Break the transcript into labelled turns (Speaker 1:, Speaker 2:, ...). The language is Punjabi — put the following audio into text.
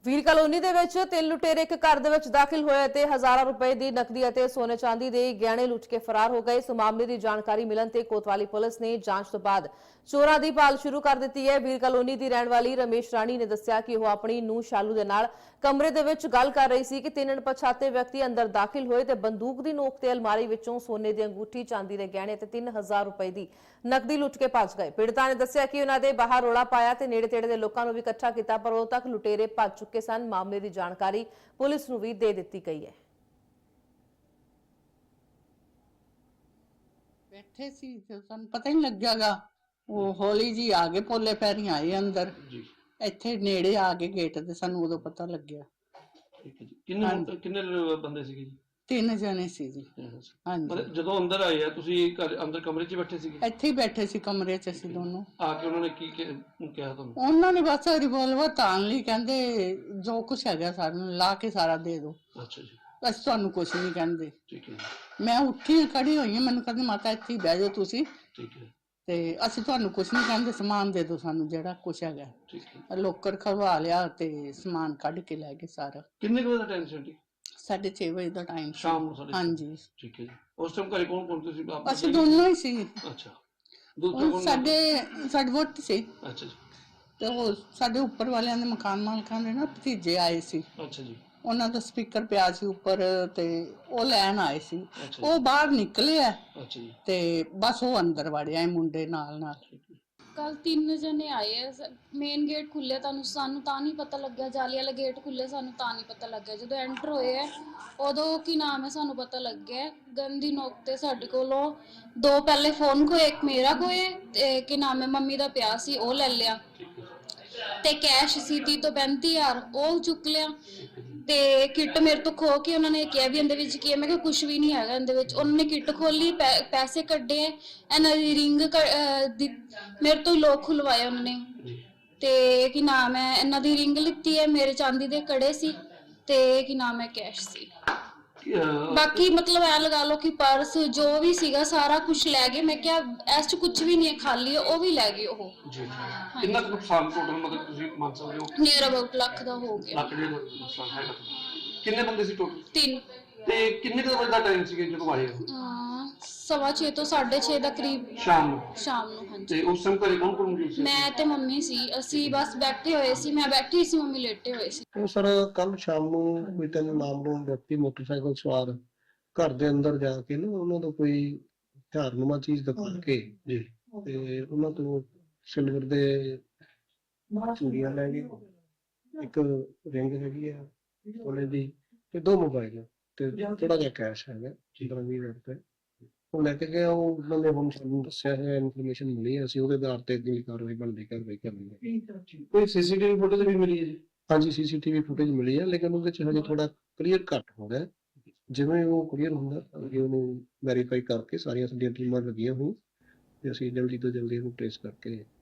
Speaker 1: ਵੀਰ ਕਲੋਨੀ ਦੇ ਵਿੱਚ ਤਿੰਨ ਲੁਟੇਰੇ ਇੱਕ ਘਰ ਦੇ ਵਿੱਚ ਦਾਖਲ ਹੋਏ ਤੇ ਹਜ਼ਾਰਾਂ ਰੁਪਏ ਦੀ ਨਕਦੀ ਅਤੇ ਸੋਨੇ ਚਾਂਦੀ ਦੇ ਗਹਿਣੇ ਲੁੱਟ ਕੇ ਫਰਾਰ ਹੋ ਗਏ। ਇਸ ਮਾਮਲੇ ਦੀ ਜਾਣਕਾਰੀ ਮਿਲਣ ਤੇ ਕੋਤਵਾਲੀ ਪੁਲਿਸ ਨੇ ਜਾਂਚ ਤੋਂ ਬਾਅਦ ਚੋਰਾਂ ਦੀ ਭਾਲ ਸ਼ੁਰੂ ਕਰ ਦਿੱਤੀ ਹੈ। ਵੀਰ ਕਲੋਨੀ ਦੀ ਰਹਿਣ ਵਾਲੀ ਰਮੇਸ਼ ਰਾਣੀ ਨੇ ਦੱਸਿਆ ਕਿ ਉਹ ਆਪਣੀ ਨੂੰਹ ਸ਼ਾਲੂ ਦੇ ਨਾਲ ਕਮਰੇ ਦੇ ਵਿੱਚ ਗੱਲ ਕਰ ਰਹੀ ਸੀ ਕਿ ਤਿੰਨ ਅਣਪਛਾਤੇ ਵਿਅਕਤੀ ਅੰਦਰ ਦਾਖਲ ਹੋਏ ਤੇ ਬੰਦੂਕ ਦੀ ਨੋਕ ਤੇ ਅਲਮਾਰੀ ਵਿੱਚੋਂ ਸੋਨੇ ਦੀ ਅੰਗੂਠੀ, ਚਾਂਦੀ ਦੇ ਗਹਿਣੇ ਤੇ 3000 ਰੁਪਏ ਦੀ ਨਕਦੀ ਲੁੱਟ ਕੇ ਭੱਜ ਗਏ। ਪੀੜਤਾ ਨੇ ਦੱਸਿਆ ਕਿ ਉਹਨਾਂ ਦੇ ਬਾਹਰ ਰੌਲਾ ਪਾਇਆ ਤੇ ਨੇੜੇ ਤੇੜੇ ਦੇ ਲੋਕਾਂ ਨੂੰ ਵੀ ਇਕੱਠਾ ਕੀਤਾ, ਪਰ ਉਦੋਂ ਤੱਕ ਲੁਟੇਰੇ ਭੱਜ ਚੁੱਕੇ ਸਨ। ਮਾਮਲੇ ਦੀ ਜਾਣਕਾਰੀ ਪੁਲਿਸ ਨੂੰ ਵੀ ਦੇ ਦਿੱਤੀ ਗਈ ਹੈ।
Speaker 2: बैठे सी तो सानू पता ही नहीं लग्यागा। वो हौली जी आ गए, पोले पैरी आए अंदर
Speaker 3: जी
Speaker 2: इत्थे नेड़े आ गए गेट ते सानू उदों पता लग्या।
Speaker 3: ठीक है जी। किन्ने बंदे सीगे जी?
Speaker 2: 3 जने सी जी। हाँ जी,
Speaker 3: मतलब ਜਦੋਂ ਅੰਦਰ ਆਏ ਆ ਤੁਸੀਂ ਘਰ ਅੰਦਰ ਕਮਰੇ 'ਚ ਹੀ ਬੈਠੇ ਸੀਗੇ?
Speaker 2: ਇੱਥੇ ਹੀ ਬੈਠੇ ਸੀ ਕਮਰੇ 'ਚ ਅਸੀਂ ਦੋਨੋਂ।
Speaker 3: ਆ ਕੇ ਉਹਨਾਂ ਨੇ ਕੀ ਕਿਹਾ ਤੁਹਾਨੂੰ?
Speaker 2: ਉਹਨਾਂ ਨੇ ਬਸ ਰਿਵੋਲਵਰ ਤਾਣ ਲਈ, ਕਹਿੰਦੇ ਜੋ ਕੁਛ ਹੈਗਾ ਸਾਨੂੰ ਲਾ ਕੇ ਸਾਰਾ ਦੇ ਦਿਓ,
Speaker 3: ਅੱਛਾ ਜੀ,
Speaker 2: ਅਸੀਂ ਤੁਹਾਨੂੰ ਕੁਛ ਨਹੀਂ ਕਹਿੰਦੇ।
Speaker 3: ਠੀਕ ਹੈ ਜੀ,
Speaker 2: ਮੈਂ ਉੱਠੀ ਖੜੀ ਹੋਈ ਹਾਂ, ਮੈਨੂੰ ਕਹਿੰਦੇ ਮਾਤਾ ਇੱਥੇ ਹੀ ਬਹਿ ਜਾਓ ਤੁਸੀਂ,
Speaker 3: ਠੀਕ ਹੈ,
Speaker 2: ਤੇ ਅਸੀਂ ਤੁਹਾਨੂੰ ਕੁਛ ਨਹੀਂ ਕਹਿੰਦੇ, ਸਮਾਨ ਦੇ ਦਿਓ ਸਾਨੂੰ ਜਿਹੜਾ ਕੁਛ ਹੈਗਾ।
Speaker 3: ਠੀਕ ਹੈ।
Speaker 2: ਲੋਕਰ ਖਵਾ ਲਿਆ ਤੇ ਸਮਾਨ ਕੱਢ ਕੇ ਲੈ ਗਏ ਸਾਰਾ।
Speaker 3: ਕਿੰਨੇ ਕੁ ਵਜੇ ਦਾ ਟਾਈਮ ਸੀ ਆਂਟੀ?
Speaker 2: 6:30 ਵਜੇ ਦਾ ਟਾਈਮ ਸੀ
Speaker 3: ਸ਼ਾਮ ਨੂੰ 6:30?
Speaker 2: ਹਾਂਜੀ,
Speaker 3: ਠੀਕ ਹੈ ਜੀ। ਉਸ ਟਾਈਮ ਘਰੇ ਕੌਣ ਤੁਸੀਂ?
Speaker 2: ਅਸੀਂ ਦੋਨੋਂ ਹੀ ਸੀ।
Speaker 3: ਅੱਛਾ, ਦੂਜਾ ਕੌਣ?
Speaker 2: ਸਾਡੇ ਵੋਟ ਸੀ
Speaker 3: ਅੱਛਾ ਜੀ,
Speaker 2: ਤੇ ਉਹ ਸਾਡੇ ਉੱਪਰ ਵਾਲਿਆਂ ਦੇ ਮਕਾਨ ਮਾਲਕਾਂ ਦੇ ਨਾ ਭਤੀਜੇ ਆਏ ਸੀ,
Speaker 3: ਅੱਛਾ ਜੀ,
Speaker 2: ਉਹਨਾਂ ਦਾ ਸਪੀਕਰ ਪਿਆ ਸੀ ਉੱਪਰ ਤੇ ਉਹ ਲੈਣ ਆਏ ਸੀ।
Speaker 3: ਅੱਛਾ
Speaker 2: ਉਹ ਬਾਹਰ ਨਿਕਲੇ ਆ
Speaker 3: ਅੱਛਾ ਜੀ,
Speaker 2: ਤੇ ਬਸ ਉਹ ਅੰਦਰ ਵੜਿਆ ਇਹ ਮੁੰਡੇ ਨਾਲ।
Speaker 3: ਠੀਕ ਹੈ।
Speaker 4: ਕੱਲ 3 ਜਣੇ ਆਏ ਆ। ਮੇਨ ਗੇਟ ਖੁੱਲਿਆ, ਸਾਨੂੰ ਤਾਂ ਨਹੀਂ ਪਤਾ ਲੱਗਿਆ। ਜਾਲੀ ਵਾਲਾ ਗੇਟ ਖੁੱਲਿਆ, ਸਾਨੂੰ ਤਾਂ ਨਹੀਂ ਪਤਾ ਲੱਗਿਆ। ਜਦੋਂ ਐਂਟਰ ਹੋਏ ਆ ਉਦੋਂ ਕੀ ਨਾਮ ਹੈ ਸਾਨੂੰ ਪਤਾ ਲੱਗਿਆ। ਗਨ ਦੀ ਨੋਕ ਤੇ ਸਾਡੇ ਕੋਲੋਂ 2 ਪਹਿਲੇ ਫੋਨ ਖੋਏ, ਇੱਕ ਮੇਰਾ ਖੋਏ ਤੇ ਕੀ ਨਾਮ ਹੈ ਮੰਮੀ ਦਾ ਪਿਆ ਸੀ ਉਹ ਲੈ ਲਿਆ, ਤੇ ਕੈਸ਼ ਸੀ 30 ਤੋਂ 35000 ਉਹ ਚੁੱਕ ਲਿਆ, ਤੇ ਕਿੱਟ ਮੇਰੇ ਤੋਂ ਖੋ ਕੇ ਉਹਨਾਂ ਨੇ ਕਿਹਾ ਵੀ ਇਹਦੇ ਵਿੱਚ ਕੀ ਹੈ। ਮੈਂ ਕਿਹਾ ਕੁਝ ਵੀ ਨਹੀਂ ਹੈਗਾ ਇਹਦੇ ਵਿੱਚ। ਉਹਨਾਂ ਨੇ ਕਿੱਟ ਖੋਲੀ, ਪੈਸੇ ਕੱਢੇ, ਇਹਨਾਂ ਦੀ ਰਿੰਗ ਮੇਰੇ ਤੋਂ ਲੋਕ ਖੁਲਵਾਇਆ ਉਹਨਾਂ ਨੇ, ਤੇ ਕੀ ਨਾਮ ਹੈ ਇਹਨਾਂ ਦੀ ਰਿੰਗ ਲਿੱਤੀ ਹੈ, ਮੇਰੇ ਚਾਂਦੀ ਦੇ ਕੜੇ ਸੀ ਤੇ ਕੀ ਨਾਮ ਹੈ ਕੈਸ਼ ਸੀ। ਬਾਕੀ ਮਤਲਬ ਐ ਲਗਾ ਲਓ ਕਿ ਪਰਸ ਜੋ ਵੀ ਸੀਗਾ ਸਾਰਾ ਕੁਝ ਲੈ ਗਏ। ਮੈਂ ਕਿਹਾ ਇਸ ਚ ਕੁਝ ਵੀ ਨਹੀਂ ਹੈ, ਖਾਲੀ ਉਹ ਵੀ ਲੈ ਗਏ ਉਹ।
Speaker 3: ਜੀ, ਕਿੰਨਾ ਕੁ ਨੁਕਸਾਨ ਟੋਟਲ ਮਤਲਬ ਤੁਸੀਂ ਮੰਨ ਸਕਦੇ ਹੋ?
Speaker 4: ਨੀਅਰ ਅਬਾਊਟ ਲੱਖ ਦਾ ਹੋ ਗਿਆ।
Speaker 3: ਲੱਖ ਡੇਢ ਨੁਕਸਾਨ ਹੈਗਾ। ਕਿੰਨੇ ਬੰਦੇ ਸੀ ਟੋਟਲ?
Speaker 4: 3।
Speaker 3: ਤੇ ਕਿੰਨੇ ਕੁ ਵਜੇ ਦਾ ਟਾਈਮ ਸੀ ਜਦੋਂ ਆਏ ਹੋ?
Speaker 4: 6:15 ਤੋਂ 6:30 ਦਾ ਕਰੀਬ
Speaker 3: ਸ਼ਾਮ ਨੂੰ?
Speaker 4: ਸ਼ਾਮ ਨੂੰ, ਹਾਂਜੀ।
Speaker 3: ਤੇ ਉਸ ਟਾਈਮ ਘਰੇ ਕੌਣ ਮੌਜੂਦ ਸੀ?
Speaker 4: ਮੈਂ ਤੇ ਮੰਮੀ ਸੀ, ਅਸੀਂ ਬਸ ਬੈਠੇ ਹੋਏ ਸੀ। ਮੈਂ ਬੈਠੀ ਸੀ, ਮੰਮੀ ਲੇਟੇ ਹੋਏ ਸੀ।
Speaker 5: ਉਹ ਸਰ ਕੱਲ ਸ਼ਾਮ ਨੂੰ ਕੋਈ 3 ਨਾਮਲੂਮ ਵਿਅਕਤੀ ਮੋਟਰਸਾਈਕਲ ਸਵਾਰ ਘਰ ਦੇ ਅੰਦਰ ਜਾ ਕੇ ਨਾ ਉਹਨਾਂ ਤੋਂ ਕੋਈ ਹਥਿਆਰਨੁਮਾ ਚੀਜ਼ ਦਿਖਾ ਕੇ ਜੀ ਤੇ ਉਹਨਾਂ ਤੋਂ ਸਿਲਵਰ ਦੇ ਚੂੜੀਆਂ ਲੈ ਗਏ, ਇੱਕ ਰਿੰਗ ਹੈਗੀ ਆ ਉਹਨੇ ਦੀ, ਤੇ 2 ਮੋਬਾਈਲ ਤੇ ਥੋੜਾ ਜਿਹਾ ਕੈਸ਼ ਹੈਗਾ 15-20 ਰੁਪਏ ਉਹ ਲੈ ਕੇ ਗਏ। ਉਹ ਉਹਨਾਂ ਨੇ ਹੁਣ ਸਾਨੂੰ ਦੱਸਿਆ ਹੈ, ਇਨਫੋਰਮੇਸ਼ਨ ਮਿਲੀ ਹੈ, ਅਸੀਂ ਉਹਦੇ ਆਧਾਰ ਤੇ ਅਗਲੀ ਕਾਰਵਾਈ ਬਣਦੀ ਕਰਨੀ ਹੈ।
Speaker 3: ਕੋਈ ਸੀਸੀਟੀਵੀ ਫੁਟੇਜ ਵੀ ਮਿਲੀ ਹੈ ਜੀ?
Speaker 5: ਹਾਂਜੀ, ਸੀਸੀਟੀਵੀ ਫੁਟੇਜ ਮਿਲੀ ਹੈ, ਲੇਕਿਨ ਉਹਦੇ ਚ ਹਜੇ ਥੋੜਾ ਕਲੀਅਰ ਘੱਟ ਹੋ ਗਿਆ। ਜਿਵੇਂ ਉਹ ਕਲੀਅਰ ਹੁੰਦਾ ਅੱਗੇ ਉਹਨੂੰ ਵੈਰੀਫਾਈ ਕਰਕੇ ਸਾਰੀਆਂ ਸਾਡੀਆਂ ਟੀਮਾਂ ਲੱਗੀਆਂ ਹੋਣ ਤੇ ਅਸੀਂ ਜਲਦੀ ਤੋਂ ਜਲਦੀ ਉਹਨੂੰ ਟ੍ਰੇਸ ਕਰਕੇ